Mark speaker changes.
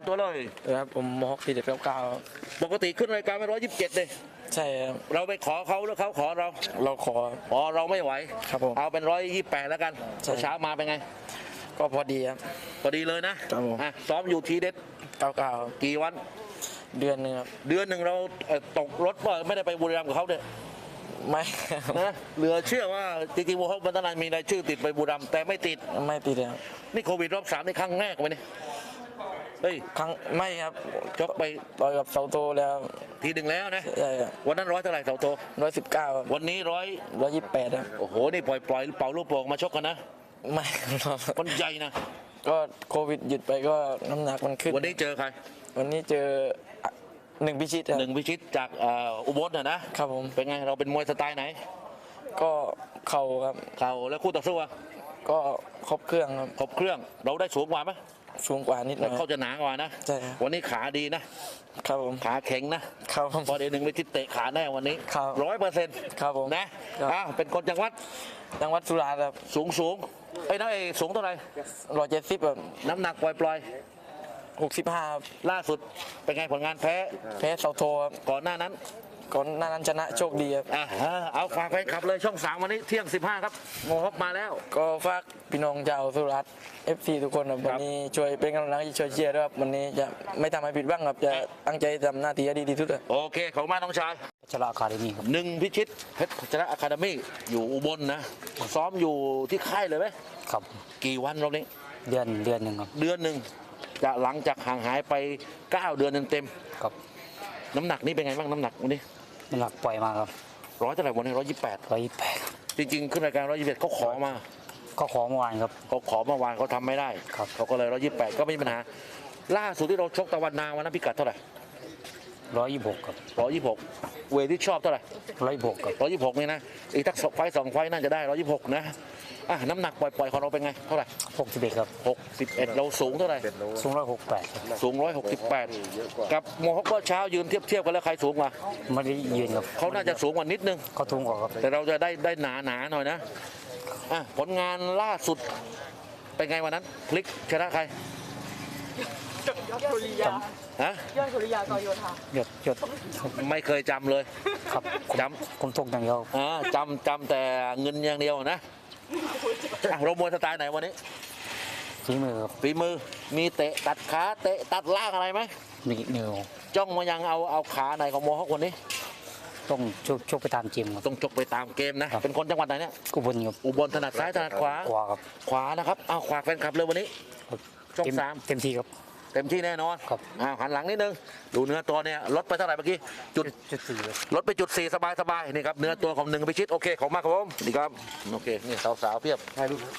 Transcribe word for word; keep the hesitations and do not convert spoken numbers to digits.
Speaker 1: ตัวเลย
Speaker 2: ครับผมมอกสี่เด็ดเก้าเก้า
Speaker 1: ปกติขึ้นรายการไปร้อยยี่สิบเจ็ดเลย
Speaker 2: ใช่ครับ
Speaker 1: เราไปขอเขาหรือเขาขอเรา
Speaker 2: เราขอ
Speaker 1: อ๋อเราไม่ไหว
Speaker 2: ครับผม
Speaker 1: เอาเป็นร้อยยี่สิบแปดแล้วกันเช้ามาเป็นไง
Speaker 2: ก็พอดีครับ
Speaker 1: พอดีเลยนะครับผมอ่ะซ้อมอยู่ทีเด็ด
Speaker 2: เก้าเก้า
Speaker 1: กี่วัน
Speaker 2: เดือนหนึ่งครับ
Speaker 1: เดือนหนึ่งเราตกรถว่าไม่ได้ไปบุรีรัมย์กับเขาเนี่ย
Speaker 2: ไม่
Speaker 1: นะเหลือเชื่อว่าจริงๆโมฮอคบันตนานมีรายชื่อติดไปบุรีรัมย์แต่ไม่ติด
Speaker 2: ไม่ติดครับ
Speaker 1: นี่โควิดรอบสามในครั้งแรกไหมเนี่ยเฮ้ย
Speaker 2: ครั้งไม่ครับ
Speaker 1: ชกไป
Speaker 2: ต่อยกับเสาโตแล้ว
Speaker 1: ทีหนึ่งแล้วนะ
Speaker 2: ใช่ครับ
Speaker 1: วันนั้นร้อยเท่าไหร่เสาโต
Speaker 2: ร้อยสิบเก้า
Speaker 1: วันนี้ร้อย
Speaker 2: ร้อยยี่สิบแปดครับ
Speaker 1: โอ้โหนี่ปล่อยปล่อยเป่าลูกโป่งมาชกกันนะ
Speaker 2: ไม่
Speaker 1: คนใหญ่นะ
Speaker 2: ก็โควิดหยุดไปก็น้ำหนักมันขึ้น
Speaker 1: วันนี้เจอใคร
Speaker 2: วันนี้เจอหนึ่งพิชิต
Speaker 1: หนึ่งพิชิตจากอุบลน่ะนะครับ
Speaker 2: ผม
Speaker 1: เป็นไงเราเป็นมวยสไตล์ไหน
Speaker 2: ก็เข่าครับ
Speaker 1: เข่าแล้วคู่ต่อสู้
Speaker 2: ก็ครบเครื่องครับ
Speaker 1: ครบเครื่องเราได้สูงกว่าไหม
Speaker 2: สูงกว่านิดหน่อย
Speaker 1: เขาจะหนากว่านะ
Speaker 2: ใช่
Speaker 1: วันนี้ขาดีนะครับผมขาแข็งนะครับพอเดี๋ยวหนึ่งพิชิตเตะขาแน่วันนี้ร้อยเปอร์เซ็นต์
Speaker 2: ครับผม
Speaker 1: นะอ้าวเป็นคนจังหวัด
Speaker 2: จังหวัดสุราษฎร์ครับ
Speaker 1: สูงสูงไอ้น้องเอสูงเท่าไหร่
Speaker 2: ร้อยเจ็ดสิบแบบ
Speaker 1: น้ำหนักปล่อยปล่อย
Speaker 2: หกสิบห้า
Speaker 1: ล่าสุดเป็นไงผลงานแพ้
Speaker 2: แพ้เสาโทครับ
Speaker 1: ก่อนหน้านั้น
Speaker 2: ก่อนหน้านั้นชนะโชคดีครับ
Speaker 1: อ่าเอาฝากแฟนคลับเลยช่องสามวันนี้เที่ยงสิบห้าครับโมฮอคมาแล้ว
Speaker 2: ก็ฝากพี่น้องชาวสุราษฎร์เอฟซีทุกคนครับวันนี้ช่วยเป็นกำลังใจช่วยเชียร์ด้วยครับวันนี้จะไม่ทำให้ผิดหวังครับจะตั้งใจทำหน้าที่ให้ดีที่สุด
Speaker 1: โอเคขอบคุณมากน้องชาย
Speaker 3: พัชระอะคาเดมี่ครับ
Speaker 1: หนึ่งพิชิตเพชรพัชระอะคาเดมี่อยู่อุบลนะซ้อมอยู่ที่ค่ายเลยไหม
Speaker 3: ครับ
Speaker 1: กี่วันรอบนี้
Speaker 3: เดือนเดือนหนึ่งครับ
Speaker 1: เดือนหนึ่งจะหลังจากห่างหายไปเก้าเดือนเต็ม
Speaker 3: ๆครับ
Speaker 1: น้ำหนักนี่เป็นไงบ้างน้ำหนักวันนี้
Speaker 3: น้ำหนักปล่อยมาครับ
Speaker 1: ร้อยเท่าไหร่วันนี้ร้อยยี่สิบแปด
Speaker 3: ร้อยยี่สิบแปด
Speaker 1: จริงๆขึ้นรายการร้อยยี่สิบเอ็ดเขาขอมา
Speaker 3: ก็ขอเมื่อวานครับ
Speaker 1: เขาขอเมื่อวานเขาทำไม่ได้
Speaker 3: ครับ
Speaker 1: เขาก็เลยร้อยยี่สิบแปดก็ไม่มีปัญหาล่าสุดที่เราชกตะวันนาวันนั้นพิกัดเท่าไหร่
Speaker 3: ร้อยยี่สิบหกครับ
Speaker 1: ร้อยยี่สิบหกเวทที่ชอบเท่าไหร่
Speaker 3: ร้อยยี่สิบหกครับ
Speaker 1: ร้อยยี่สิบหกนี่นะอีกทักไฟสองไฟน่าจะได้ร้อยยี่สิบหกนะอ่ะน้ำหนักปล่อยๆของเราเป็นไงเท่าไหร่
Speaker 3: หกสิบเอ็ดครับ
Speaker 1: หกสิบเอ็ดเราสูงเท่าไหร่
Speaker 3: สูงร้อยหกแปด
Speaker 1: สูงร้อยหกสิบแปดกับโมฮอคก็เช้ายืนเทียบเทียบกันแล้วใครสูงกว่า
Speaker 3: ไม่ได้ยืนครับ
Speaker 1: เขาน่าจะสูงกว่านิดนึง
Speaker 3: เขาสูงกว่าครับ
Speaker 1: แต่เราจะได้ได้หนาหนาหน่อยนะอ่ะผลงานล่าสุดเป็นไงวันนั้นพลิกชนะใคร
Speaker 4: ยอดสุริยา
Speaker 1: ฮะ
Speaker 4: ยอดสุริยากโยธา
Speaker 3: หยดหยด
Speaker 1: ไม่เคยจำเลย
Speaker 3: ครับ
Speaker 1: จำ
Speaker 3: ผมตกอย่างเดียว
Speaker 1: อ่าจำจำแต่เงินอย่างเดียวนะเรามวยสไตล์ไหนวันนี้
Speaker 3: ฝีมือครับ
Speaker 1: ฝีมือมีเตะตัดขาเตะตัดล่างอะไรไหม
Speaker 3: มีเนื้อ
Speaker 1: จ้องมายังเอาเอาขาไหนของโมฮอคคนนี้
Speaker 3: ต้องชกชกไปตามเกมครับ
Speaker 1: ต้องชกไปตามเกมนะเป็นคนจังหวัดไหนเนี่ย
Speaker 3: อุบลครับ
Speaker 1: อุบลถนัดซ้ายถนัดขวา
Speaker 3: ขวาครับ
Speaker 1: ขวานะครับเอาขวาแฟนคลับเลยวันนี้ช่องสาม
Speaker 3: เต็มที่ครับ
Speaker 1: เต็มที่แน่นอน
Speaker 3: ครับ
Speaker 1: อ่าหันหลังนิดนึงดูเนื้อตัวเนี่ยลดไปเท่าไหร่เมื่อกี้จุด
Speaker 3: จุดสี่
Speaker 1: ลดไปจุดสี่สบายสบายนี่ครับเนื้อตัวของหนึ่งพิชิตโอเคของมากครับผมดีครับโอเคนี่สาวๆเพียบ